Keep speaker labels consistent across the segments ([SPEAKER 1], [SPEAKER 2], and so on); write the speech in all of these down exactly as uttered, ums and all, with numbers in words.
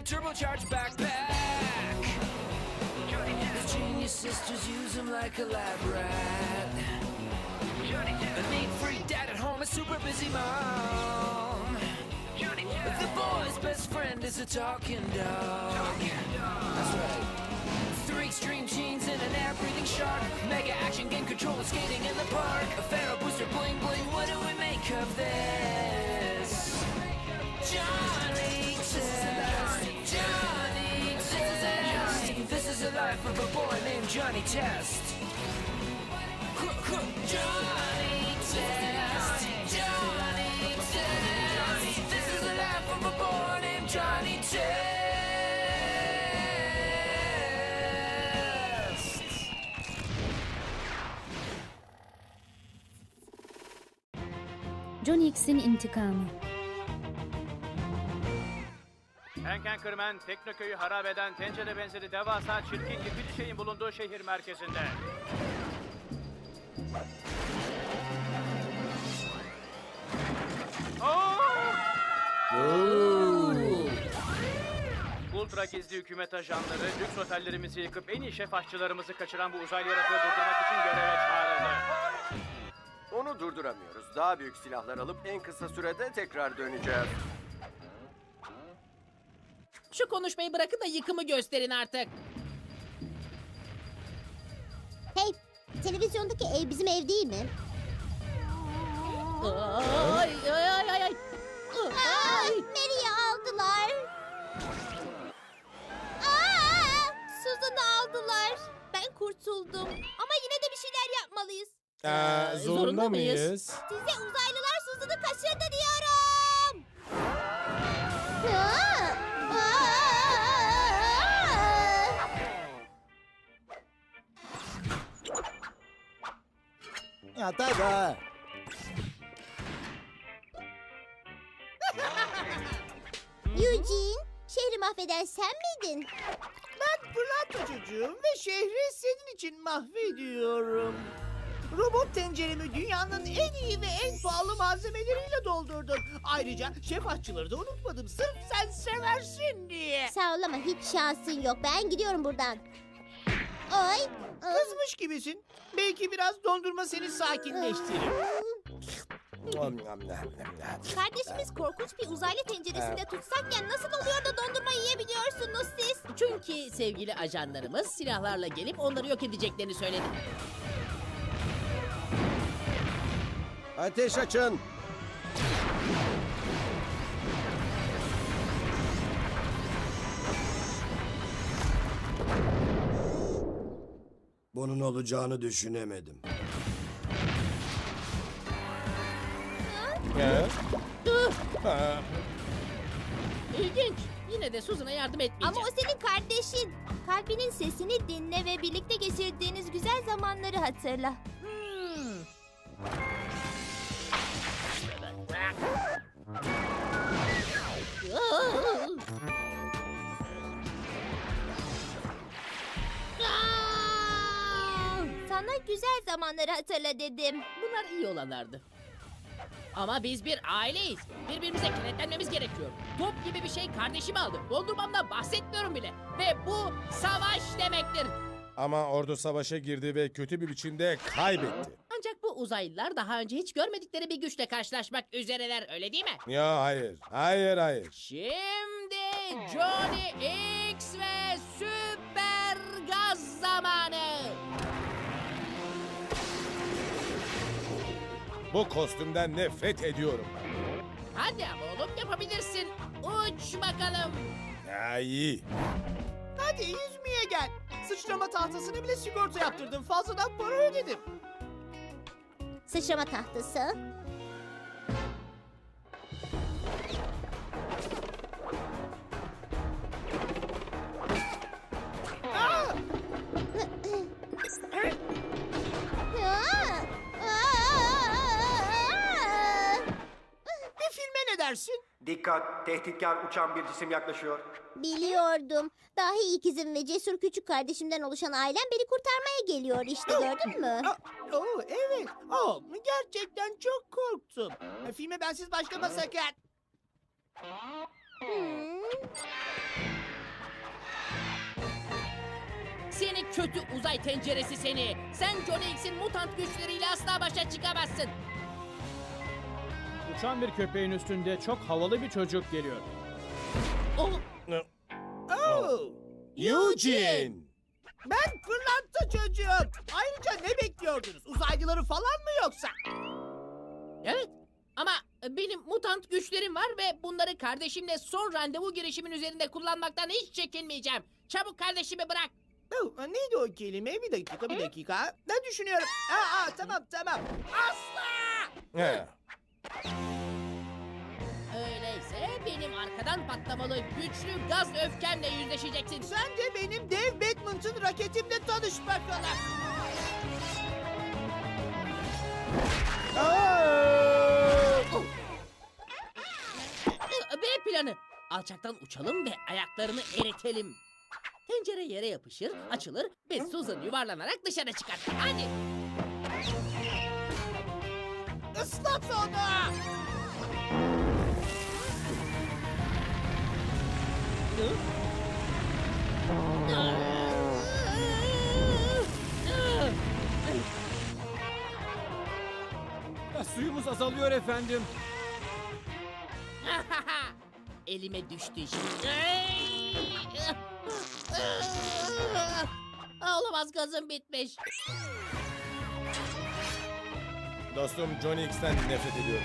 [SPEAKER 1] turbocharged backpack. The genius sisters use him like a lab rat. A neat-free dad at home, a super busy mom. The boy's best friend is a talking dog. That's right. Three extreme genes and an air-breathing shark. Mega action game controller skating in the park. A Pharaoh booster bling bling. What do we make of this? Johnny Test. Johnny Test. This is the life of a boy named Johnny Test. Johnny Test. Johnny Test. This is the life of a boy named Johnny Test.
[SPEAKER 2] John X'in intikamı.
[SPEAKER 3] Hank Anchorman, Teknoköy'ü harap eden tencere benzeri devasa çirkin yıkıcı şeyin bulunduğu şehir merkezinde. Ultra gizli hükümet ajanları lüks otellerimizi yıkıp en iyi şef aşçılarımızı kaçıran bu uzaylı yaratığı durdurmak için göreve çağrıldı.
[SPEAKER 4] Onu durduramıyoruz. Daha büyük silahlar alıp en kısa sürede tekrar döneceğiz.
[SPEAKER 5] Şu konuşmayı bırakın da yıkımı gösterin artık.
[SPEAKER 6] Hey, televizyondaki ev bizim ev değil mi?
[SPEAKER 5] Ay ay ay ay. ay.
[SPEAKER 6] Aa,
[SPEAKER 5] Ay.
[SPEAKER 6] Mary'i aldılar. Aa, Susan'ı aldılar. Ben kurtuldum. Ama yine de bir şeyler yapmalıyız.
[SPEAKER 7] Ee,
[SPEAKER 5] Ee,
[SPEAKER 7] zorunda,
[SPEAKER 5] zorunda mıyız?
[SPEAKER 7] mıyız?
[SPEAKER 6] Size uzaylılar Susan'ı kaçırdı diyorum. Aa, aa.
[SPEAKER 7] Ya tada.
[SPEAKER 6] Eugene, şehri mahveden sen miydin?
[SPEAKER 8] Ben Plato çocuğum ve şehri senin için mahvediyorum. Robot tenceremi dünyanın en iyi ve en pahalı malzemeleriyle doldurdum. Ayrıca şef aşçıları da unutmadım sırf sen seversin diye.
[SPEAKER 6] Sağ ol ama hiç şansın yok. Ben gidiyorum buradan. Ay. ıı,
[SPEAKER 8] Kızmış gibisin. Belki biraz dondurma seni sakinleştirir.
[SPEAKER 6] Kardeşimiz korkunç bir uzaylı tenceresinde tutsakken nasıl oluyor da dondurma yiyebiliyorsunuz siz?
[SPEAKER 5] Çünkü sevgili ajanlarımız silahlarla gelip onları yok edeceklerini söyledi.
[SPEAKER 7] Ateş açın.
[SPEAKER 9] Bunun olacağını düşünemedim.
[SPEAKER 7] Ya.
[SPEAKER 5] Ih, İlginç. Yine de Susan'a yardım etmeyeceğim.
[SPEAKER 6] Ama o senin kardeşin. Kalbinin sesini dinle ve birlikte geçirdiğiniz güzel zamanları hatırla.
[SPEAKER 5] Hmm.
[SPEAKER 6] Sana güzel zamanları hatırla dedim.
[SPEAKER 5] Bunlar iyi olanlardı. Ama biz bir aileyiz. Birbirimize kenetlenmemiz gerekiyor. Top gibi bir şey kardeşimi aldı. Dondurmamdan bahsetmiyorum bile. Ve bu savaş demektir.
[SPEAKER 7] Ama ordu savaşa girdi ve kötü bir biçimde kaybetti.
[SPEAKER 5] Ancak bu uzaylılar daha önce hiç görmedikleri bir güçle karşılaşmak üzereler, öyle değil mi?
[SPEAKER 7] Ya hayır. Hayır hayır.
[SPEAKER 5] Şimdi Johnny X ve süper gaz zamanı.
[SPEAKER 7] Bu kostümden nefret ediyorum.
[SPEAKER 5] Hadi ama oğlum, yapabilirsin. Uç bakalım.
[SPEAKER 7] Ya iyi.
[SPEAKER 8] Hadi yüzmeye gel. Sıçrama tahtasını bile sigorta yaptırdım. Fazladan para ödedim.
[SPEAKER 6] Sıçrama tahtası.
[SPEAKER 8] Aa!
[SPEAKER 6] Aa! Aa!
[SPEAKER 8] Bir filme ne dersin?
[SPEAKER 4] Dikkat! Tehditkar uçan bir cisim yaklaşıyor.
[SPEAKER 6] Biliyordum. Dahi ikizim ve cesur küçük kardeşimden oluşan ailem beni kurtarmaya geliyor işte, gördün mü?
[SPEAKER 8] Aa, Oo, evet. Oo, gerçekten çok korktum. Filme bensiz başlama sakın.
[SPEAKER 6] Hmm.
[SPEAKER 5] Kötü uzay tenceresi seni. Sen Johnny X'in mutant güçleriyle asla başa çıkamazsın.
[SPEAKER 3] Uçan bir köpeğin üstünde çok havalı bir çocuk geliyor.
[SPEAKER 5] Oh,
[SPEAKER 8] Oh,
[SPEAKER 7] Eugene!
[SPEAKER 8] ben fırlatta çocuğum. Ayrıca ne bekliyordunuz? Uzaylıları falan mı yoksa?
[SPEAKER 5] evet. Ama benim mutant güçlerim var ve bunları kardeşimle son randevu girişimin üzerinde kullanmaktan hiç çekinmeyeceğim. Çabuk kardeşimi bırak.
[SPEAKER 8] Oh, neydi o kelime? Bir dakika, bir dakika. Ne düşünüyorum? Aa, aa, tamam, tamam. Asla!
[SPEAKER 7] He.
[SPEAKER 5] Öyleyse benim arkadan patlamalı güçlü gaz öfkemle yüzleşeceksin.
[SPEAKER 8] Sen de benim dev badminton raketimle tanış bakalım.
[SPEAKER 5] B planı. Alçaktan uçalım ve ayaklarını eritelim. Tencere yere yapışır, açılır ve Susan yuvarlanarak dışarı çıkar. Hadi.
[SPEAKER 8] Islat onu!
[SPEAKER 3] Suyumuz azalıyor efendim.
[SPEAKER 5] Elime düştü şimdi. Aa, olamaz, gazım bitmiş.
[SPEAKER 7] Dostum Johnny X'ten nefret ediyorum.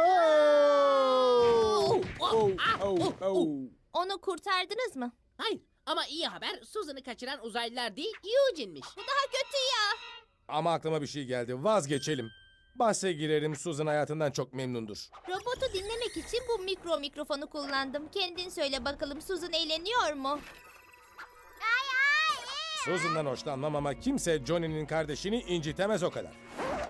[SPEAKER 5] Oh, oh, ah, oh, oh.
[SPEAKER 6] Onu kurtardınız mı?
[SPEAKER 5] Hayır, ama iyi haber, Susan'ı kaçıran uzaylılar değil, Eugene'miş.
[SPEAKER 6] Bu daha kötü ya.
[SPEAKER 7] Ama aklıma bir şey geldi. Vazgeçelim. Bahse girerim, Susan hayatından çok memnundur.
[SPEAKER 6] Robotu dinlemek için bu mikro mikrofonu kullandım. Kendin söyle bakalım, Susan eğleniyor mu? Ay ay.
[SPEAKER 7] Susan'dan hoşlanmam ama kimse Johnny'nin kardeşini incitemez o kadar.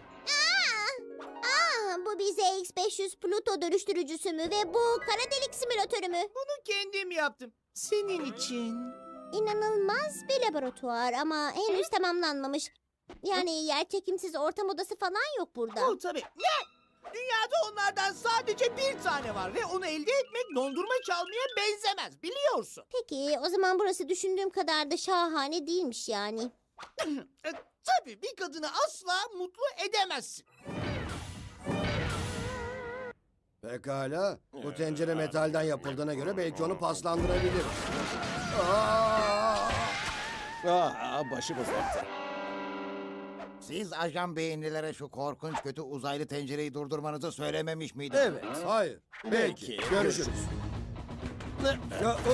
[SPEAKER 6] Aa, bu bize X beş yüz Pluto dönüştürücüsü mü ve bu kara delik simülatörü mü?
[SPEAKER 8] Bunu kendim yaptım. Senin için.
[SPEAKER 6] İnanılmaz bir laboratuvar ama henüz tamamlanmamış. Yani yerçekimsiz ortam odası falan yok burada.
[SPEAKER 8] Oh tabii. Ne? Dünyada onlardan sadece bir tane var ve onu elde etmek dondurma çalmaya benzemez, biliyorsun.
[SPEAKER 6] Peki o zaman burası düşündüğüm kadar da şahane değilmiş yani.
[SPEAKER 8] E, tabii bir kadını asla mutlu edemezsin.
[SPEAKER 9] Pekala. Bu tencere metalden yapıldığına göre belki onu paslandırabilir. Aa!
[SPEAKER 4] Aa, başımız yaktı.
[SPEAKER 2] Siz ajan beyinlilere şu korkunç kötü uzaylı tencereyi durdurmanızı söylememiş miydiniz?
[SPEAKER 4] Evet.
[SPEAKER 9] Hayır.
[SPEAKER 4] Belki.
[SPEAKER 9] Görüşürüz. Ya, o-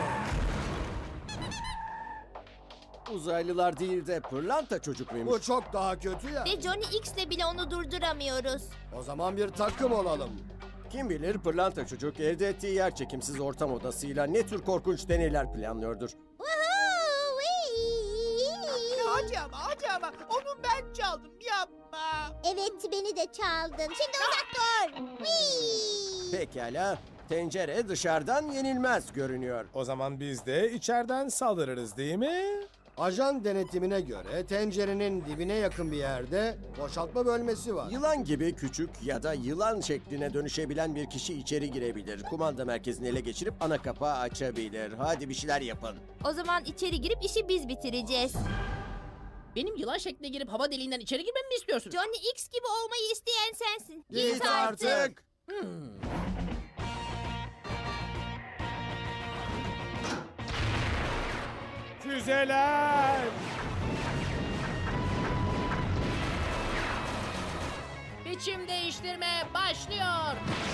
[SPEAKER 4] Uzaylılar değil de pırlanta çocuk muymuş?
[SPEAKER 9] Bu çok daha kötü ya.
[SPEAKER 6] Ve Johnny X'le bile onu durduramıyoruz.
[SPEAKER 9] O zaman bir takım olalım.
[SPEAKER 4] Kim bilir pırlanta çocuk elde ettiği yer çekimsiz ortam odasıyla ne tür korkunç deneyler planlıyordur.
[SPEAKER 6] Woohoo! Whee!
[SPEAKER 8] Hadi ama hadi ama onu ben çaldım, yapma.
[SPEAKER 6] Evet, beni de çaldın. Şimdi uzak dur. Whee!
[SPEAKER 4] Pekala. Tencere dışarıdan yenilmez görünüyor.
[SPEAKER 7] O zaman biz de içeriden saldırırız değil mi?
[SPEAKER 9] Ajan denetimine göre tencerenin dibine yakın bir yerde boşaltma bölmesi var.
[SPEAKER 4] Yılan gibi küçük ya da yılan şekline dönüşebilen bir kişi içeri girebilir. Kumanda merkezini ele geçirip ana kapağı açabilir. Hadi bir şeyler yapın.
[SPEAKER 6] O zaman içeri girip işi biz bitireceğiz.
[SPEAKER 5] Benim yılan şekline girip hava deliğinden içeri girmemi mi istiyorsun?
[SPEAKER 6] Johnny X gibi olmayı isteyen sensin.
[SPEAKER 9] Git artık.
[SPEAKER 5] Hmm.
[SPEAKER 7] Füzeler!
[SPEAKER 5] Biçim değiştirme başlıyor.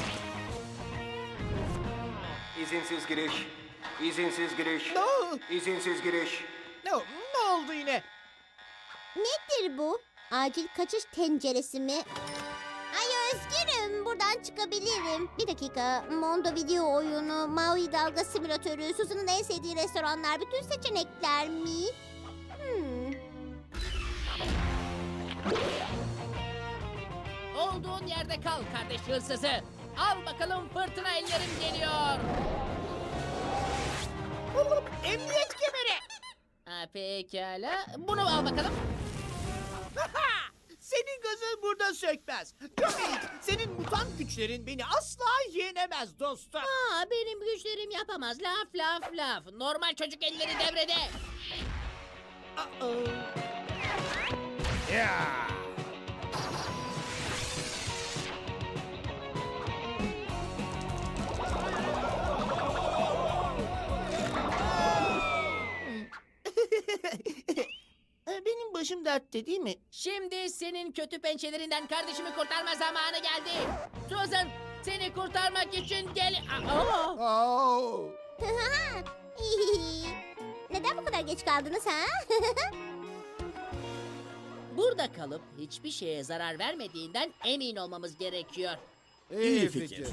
[SPEAKER 4] İzinsiz giriş. İzinsiz giriş.
[SPEAKER 8] Ne,
[SPEAKER 4] İzinsiz giriş.
[SPEAKER 8] ne, ne oldu yine?
[SPEAKER 6] Nedir bu? Acil kaçış tenceresi mi? Ay özgürüm. Buradan çıkabilirim. Bir dakika. Mondo video oyunu, Maui dalga simülatörü, Susan'ın en sevdiği restoranlar, bütün seçenekler mi? Hmm.
[SPEAKER 5] Olduğun yerde kal kardeş hırsızı. Al bakalım, fırtına ellerim geliyor.
[SPEAKER 8] Emniyet kemeri.
[SPEAKER 5] Ha, pekala. Bunu al bakalım.
[SPEAKER 8] Senin gazın burada sökmez. Johnny, senin mutant güçlerin beni asla yenemez dostum.
[SPEAKER 5] Aa, benim güçlerim yapamaz. Laf laf laf. Normal çocuk elleri devrede.
[SPEAKER 8] Aa.
[SPEAKER 7] Ya!
[SPEAKER 8] E, Benim başım dertte değil mi?
[SPEAKER 5] Şimdi senin kötü pençelerinden kardeşimi kurtarma zamanı geldi. Susan, seni kurtarmak için gel... Aa!
[SPEAKER 9] Oo.
[SPEAKER 6] Neden bu kadar geç kaldınız ha?
[SPEAKER 5] Burada kalıp hiçbir şeye zarar vermediğinden emin olmamız gerekiyor.
[SPEAKER 4] İyi fikir.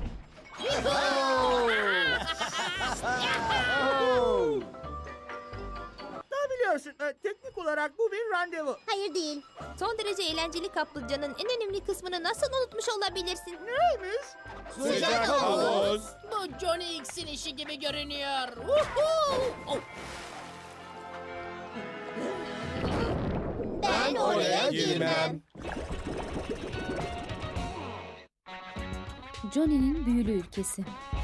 [SPEAKER 8] Daha biliyorsun e, teknik olarak bu bir randevu.
[SPEAKER 6] Hayır değil.
[SPEAKER 10] Son derece eğlenceli kaplıcanın en önemli kısmını nasıl unutmuş olabilirsin?
[SPEAKER 8] Neymiş?
[SPEAKER 6] Sıcak havuz.
[SPEAKER 5] Bu Johnny X'in işi gibi görünüyor. Woohoo! Oh,
[SPEAKER 6] Ben oraya girmem.
[SPEAKER 10] Johnny'nin büyülü ülkesi.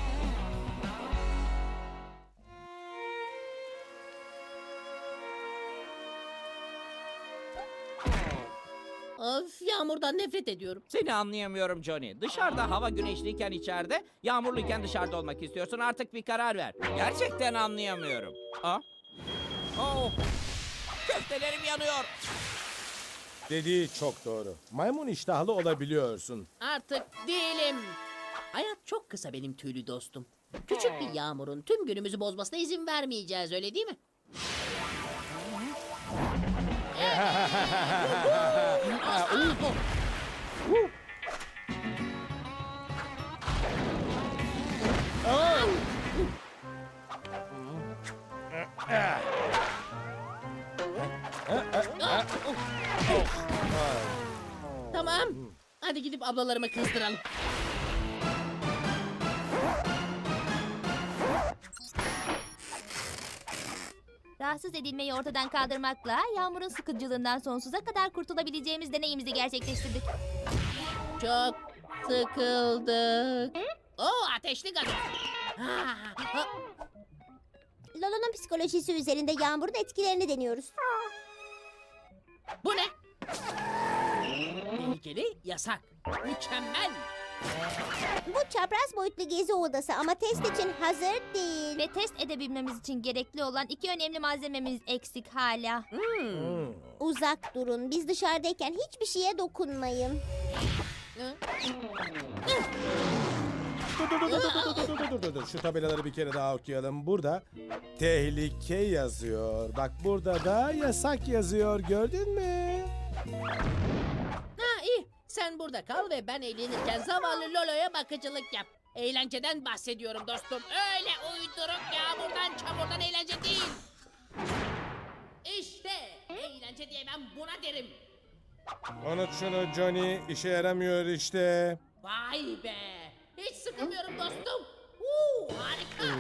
[SPEAKER 5] of, yağmurdan nefret ediyorum.
[SPEAKER 11] Seni anlayamıyorum Johnny. Dışarıda hava güneşliyken içeride, yağmurluyken dışarıda olmak istiyorsun. Artık bir karar ver. Gerçekten anlayamıyorum. Aa? Oh! Köftelerim yanıyor.
[SPEAKER 7] Dediği çok doğru. Maymun iştahlı olabiliyorsun.
[SPEAKER 5] Artık değilim. Hayat çok kısa benim tüylü dostum. Küçük bir yağmurun tüm günümüzü bozmasına izin vermeyeceğiz, öyle değil mi? Tamam. Hadi gidip ablalarımı kızdıralım.
[SPEAKER 10] Rahatsız edilmeyi ortadan kaldırmakla yağmurun sıkıcılığından sonsuza kadar kurtulabileceğimiz deneyimizi gerçekleştirdik.
[SPEAKER 5] Çok sıkıldık. Oo, ateşli gazı. Ha, ha.
[SPEAKER 6] Lolo'nun psikolojisi üzerinde yağmurun etkilerini deniyoruz.
[SPEAKER 5] Bu ne? Tehlikeli, yasak. Mükemmel.
[SPEAKER 6] Bu çapraz boyutlu gezi odası ama test için hazır değil.
[SPEAKER 10] Ve test edebilmemiz için gerekli olan iki önemli malzememiz eksik hala.
[SPEAKER 6] Uzak durun. Biz dışarıdayken hiçbir şeye dokunmayın.
[SPEAKER 7] Dur dur dur dur dur dur dur dur dur dur. Şu tabelaları bir kere daha okuyalım. Burada tehlike yazıyor. Bak burada da yasak yazıyor. Gördün mü?
[SPEAKER 5] Ha, iyi. Sen burada kal ve ben eğlenirken zavallı Lolo'ya bakıcılık yap. Eğlenceden bahsediyorum dostum. Öyle uyduruk yağmurdan çamurdan eğlence değil. İşte eğlence diye ben buna derim.
[SPEAKER 7] Unut şunu Johnny. İşe yaramıyor işte.
[SPEAKER 5] Vay be. Hiç sıkılmıyorum dostum. Uuu, harika.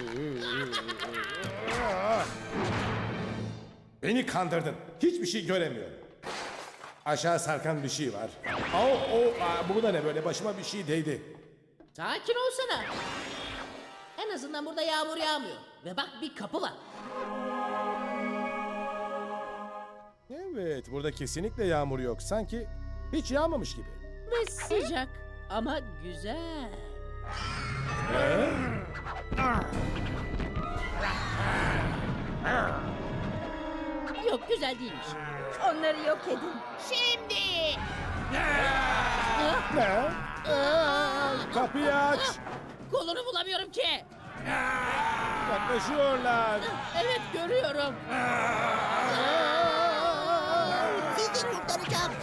[SPEAKER 7] Beni kandırdın. Hiçbir şey göremiyorum. Aşağı sarkan bir şey var. Au, o, aa, bu da ne böyle? Başıma bir şey değdi.
[SPEAKER 5] Sakin olsana. En azından burada yağmur yağmıyor. Ve bak, bir kapı var.
[SPEAKER 7] Evet, burada kesinlikle yağmur yok. Sanki hiç yağmamış gibi.
[SPEAKER 5] Ve sıcak ama güzel. Yok, güzel değilmiş.
[SPEAKER 10] Onları yok edin.
[SPEAKER 5] Şimdi.
[SPEAKER 7] Ne? Aa, kapıyı aç.
[SPEAKER 5] Kolunu bulamıyorum ki.
[SPEAKER 7] Yaklaşıyorlar.
[SPEAKER 5] Evet, görüyorum.
[SPEAKER 6] Sizi kurtaracağım.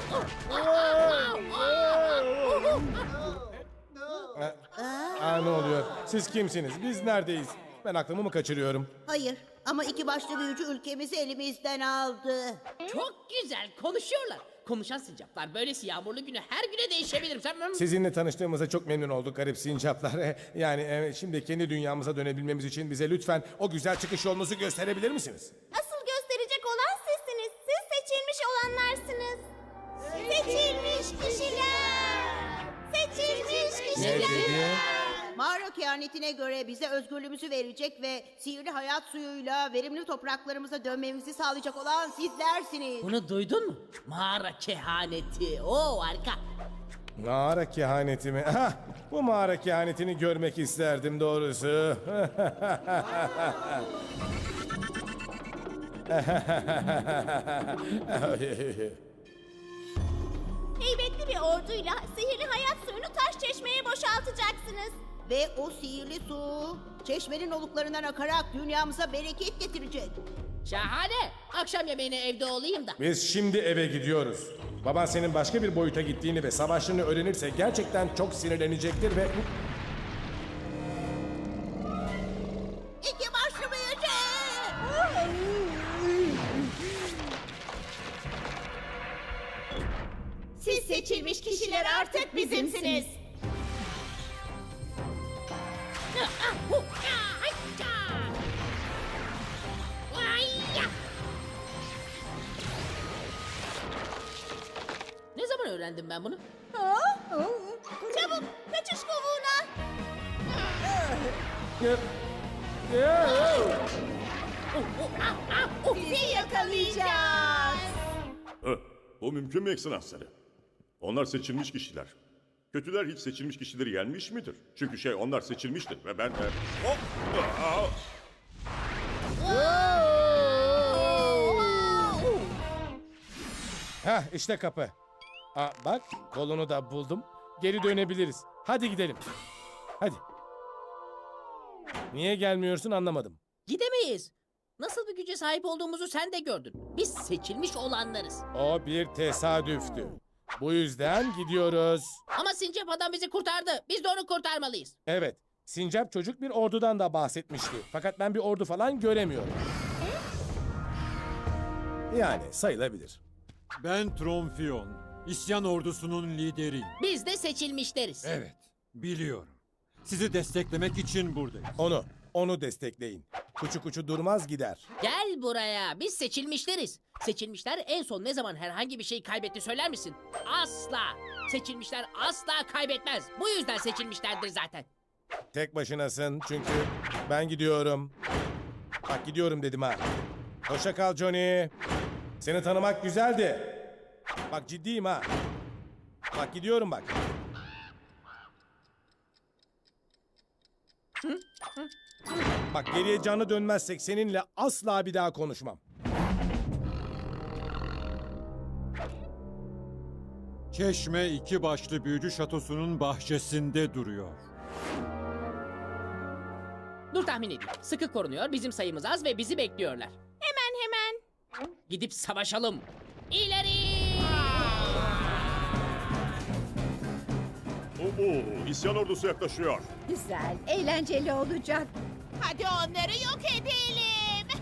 [SPEAKER 7] Aa, ne oluyor? Siz kimsiniz? Biz neredeyiz? Ben aklımı mı kaçırıyorum?
[SPEAKER 12] Hayır ama iki başlı büyücü ülkemizi elimizden aldı.
[SPEAKER 5] Çok güzel konuşuyorlar. Konuşan sincaplar böylesi yağmurlu günü her güne değişebilir. Sen...
[SPEAKER 7] Sizinle tanıştığımıza çok memnun olduk garip sincaplar. Yani e, şimdi kendi dünyamıza dönebilmemiz için bize lütfen o güzel çıkış yolunuzu gösterebilir misiniz?
[SPEAKER 6] Asıl gösterecek olan sizsiniz. Siz seçilmiş olanlarsınız. Seçilmiş kişiler. Seçilmiş
[SPEAKER 7] Ne
[SPEAKER 6] kişiler.
[SPEAKER 7] dedi?
[SPEAKER 12] Mağara Mağara kehanetine göre bize özgürlüğümüzü verecek ve sihirli hayat suyuyla verimli topraklarımıza dönmemizi sağlayacak olan sizlersiniz.
[SPEAKER 5] Bunu duydun mu? Mağara kehaneti. Oo harika.
[SPEAKER 7] Mağara kehaneti mi? Hah, bu mağara kehanetini görmek isterdim doğrusu.
[SPEAKER 6] Heybetli bir orduyla sihirli hayat suyunu taş çeşmeye boşaltacaksınız.
[SPEAKER 12] Ve o sihirli su çeşmenin oluklarından akarak dünyamıza bereket getirecek.
[SPEAKER 5] Şahane. Akşam yemeğine evde olayım da.
[SPEAKER 7] Biz şimdi eve gidiyoruz. Baban senin başka bir boyuta gittiğini ve savaşını öğrenirse gerçekten çok sinirlenecektir ve...
[SPEAKER 12] İki başlı büyücü!
[SPEAKER 6] Siz seçilmiş kişiler artık bizimsiniz.
[SPEAKER 5] Ne zaman öğrendim ben bunu?
[SPEAKER 6] Çabuk kaçış kovuğuna. Sizi yakalayacağız.
[SPEAKER 13] Hı, bu mümkün mü ekselansları? Onlar seçilmiş kişiler. Kötüler hiç seçilmiş kişileri yenmiş midir? Çünkü şey onlar seçilmiştir ve ben... e, hop! Aa!
[SPEAKER 7] Hah, işte kapı. Aa, bak, kolunu da buldum. Geri dönebiliriz. Hadi gidelim. Hadi. Niye gelmiyorsun anlamadım.
[SPEAKER 5] Gidemeyiz. Nasıl bir güce sahip olduğumuzu sen de gördün. Biz seçilmiş olanlarız.
[SPEAKER 7] O bir tesadüftü. Bu yüzden gidiyoruz.
[SPEAKER 5] Ama Sincap adam bizi kurtardı. Biz de onu kurtarmalıyız.
[SPEAKER 7] Evet, Sincap çocuk bir ordudan da bahsetmişti. Fakat ben bir ordu falan göremiyorum. Yani sayılabilir.
[SPEAKER 14] Ben Tromfion, İsyan ordusunun lideriyim.
[SPEAKER 5] Biz de seçilmişleriz.
[SPEAKER 14] Evet, biliyorum. Sizi desteklemek için buradayım.
[SPEAKER 7] Onu, onu destekleyin. Kuçu kuçu durmaz gider.
[SPEAKER 5] Gel buraya. Biz seçilmişleriz. Seçilmişler en son ne zaman herhangi bir şey kaybetti söyler misin? Asla. Seçilmişler asla kaybetmez. Bu yüzden seçilmişlerdir zaten.
[SPEAKER 7] Tek başınasın çünkü ben gidiyorum. Bak gidiyorum dedim ha. Hoşça kal Johnny. Seni tanımak güzeldi. Bak ciddiyim ha. Bak gidiyorum bak. Bak geriye canlı dönmezsek seninle asla bir daha konuşmam.
[SPEAKER 14] Çeşme iki başlı büyücü şatosunun bahçesinde duruyor.
[SPEAKER 5] Dur tahmin edeyim. Sıkı korunuyor. Bizim sayımız az ve bizi bekliyorlar.
[SPEAKER 6] Hemen hemen.
[SPEAKER 5] Gidip savaşalım. İleri!
[SPEAKER 13] Oo, isyan ordusu yaklaşıyor.
[SPEAKER 6] Güzel, eğlenceli olacak. Hadi onları yok edelim.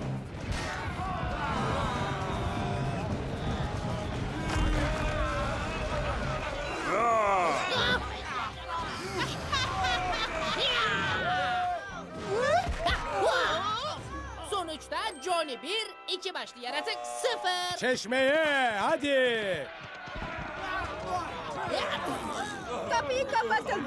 [SPEAKER 5] Sonuçta Johnny bir, iki başlı yaratık sıfır.
[SPEAKER 7] Çeşmeye hadi.
[SPEAKER 6] Kapıyı kapatın.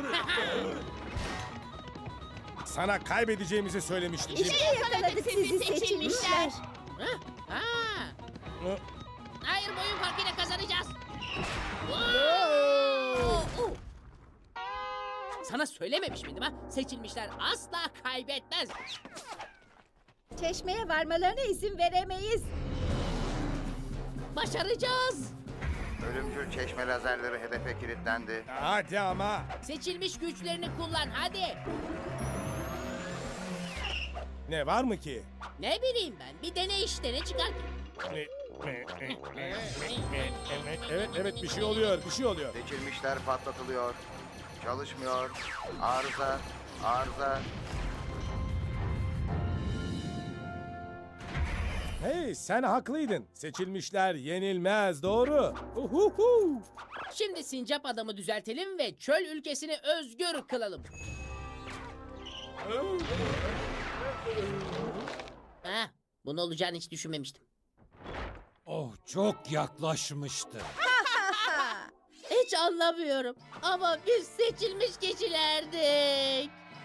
[SPEAKER 7] Sana kaybedeceğimizi söylemiştim.
[SPEAKER 6] İşte yakaladık sizi seçilmişler.
[SPEAKER 5] Ha? Ha.
[SPEAKER 7] Hı?
[SPEAKER 5] Hayır, boyun farkıyla kazanacağız. Sana söylememiş miydim ha? Seçilmişler asla kaybetmez.
[SPEAKER 6] Çeşmeye varmalarına izin veremeyiz.
[SPEAKER 5] Başaracağız.
[SPEAKER 2] Ölümcül çeşme lazerleri hedefe kilitlendi.
[SPEAKER 7] Hadi ama.
[SPEAKER 5] Seçilmiş güçlerini kullan hadi.
[SPEAKER 7] Ne var mı ki?
[SPEAKER 5] Ne bileyim ben, bir dene işte, ne çıkar ki?
[SPEAKER 7] Evet evet bir şey oluyor bir şey oluyor.
[SPEAKER 2] Seçilmişler patlatılıyor. Çalışmıyor. Arıza. Arıza.
[SPEAKER 7] Hey sen haklıydın. Seçilmişler yenilmez doğru. Uhuhu.
[SPEAKER 5] Şimdi sincap adamı düzeltelim ve çöl ülkesini özgür kılalım. Ha, bunu olacağını hiç düşünmemiştim.
[SPEAKER 14] Oh, çok yaklaşmıştı.
[SPEAKER 5] Hiç anlamıyorum ama biz seçilmiş kişilerdik.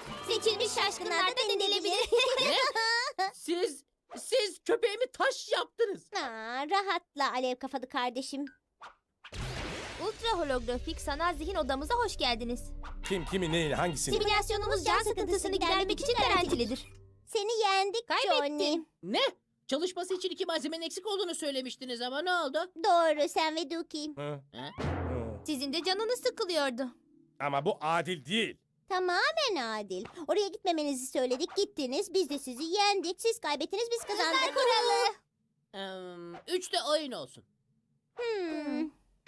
[SPEAKER 6] Seçilmiş şaşkınlar da denilebilir.
[SPEAKER 5] Siz, siz köpeğimi taş yaptınız.
[SPEAKER 6] Aa, rahatla alev kafalı kardeşim.
[SPEAKER 10] Ultra holografik sanal zihin odamıza hoş geldiniz.
[SPEAKER 7] Kim kimi neyi hangisini?
[SPEAKER 10] Simülasyonumuz can sıkıntısını gidermek için garantilidir.
[SPEAKER 6] Seni yendik
[SPEAKER 10] Kaybettin.
[SPEAKER 6] Johnny.
[SPEAKER 5] Ne? Çalışması için iki malzemenin eksik olduğunu söylemiştiniz ama ne oldu?
[SPEAKER 6] Doğru sen ve Duki.
[SPEAKER 7] Hı?
[SPEAKER 5] Ha?
[SPEAKER 7] Hı.
[SPEAKER 10] Sizin de canınız sıkılıyordu.
[SPEAKER 7] Ama bu adil değil.
[SPEAKER 6] Tamamen adil. Oraya gitmemenizi söyledik gittiniz. Biz de sizi yendik. Siz kaybettiniz biz kazandık. Kuralı.
[SPEAKER 5] Ee, üç de oyun olsun.
[SPEAKER 6] Hmm.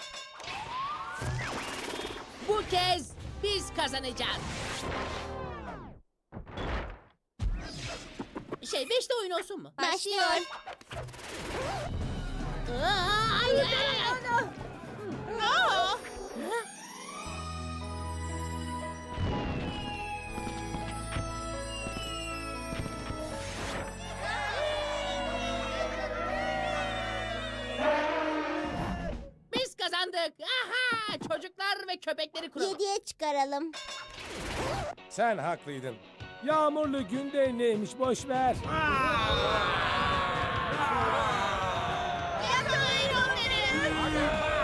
[SPEAKER 5] Bu kez biz kazanacağız. Şey beş de oyun olsun mu?
[SPEAKER 6] Başlıyor.
[SPEAKER 5] Aa, ay, ay, ay. Aa! Biz kazandık. Aha! Çocuklar ve köpekleri kuralım.
[SPEAKER 6] Yediye çıkaralım.
[SPEAKER 7] Sen haklıydın. Yağmurlu günde neymiş boş ver.
[SPEAKER 6] Yakalayın onları.